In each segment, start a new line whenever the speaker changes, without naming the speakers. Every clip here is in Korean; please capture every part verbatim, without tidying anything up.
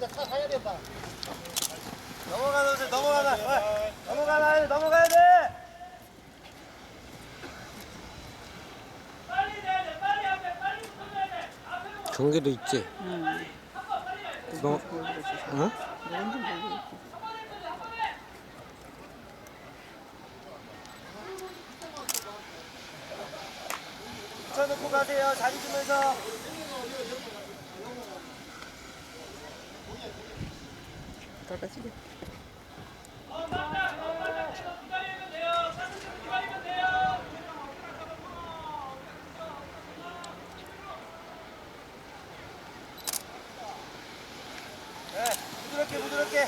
우리가 차 사야 된다.
넘어가야 돼, 넘어가야 돼. 넘어가야 돼, 넘어가야 돼.
경계도 있지?
응.
너, 어?
누군지 모르겠어.
붙여놓고 가세요. 자리 주면서.
떨어지게.
네, 부드럽게, 부드럽게.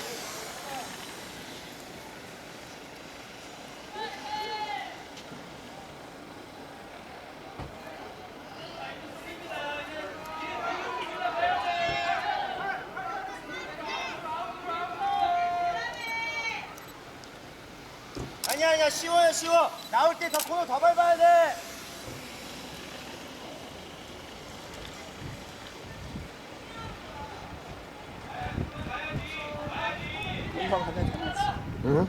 아니야, 아니야, 쉬워요, 쉬워. 나올 때 더 코너 더 밟아야 돼.
금방 가면 되지.
응?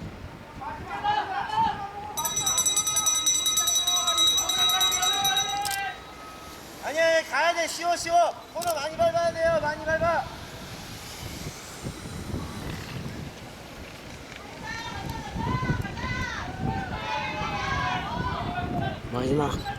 아니야, 아니야, 가야 돼. 쉬워, 쉬워. 코너 많이 밟아야 돼요. 많이 밟아.
마지막.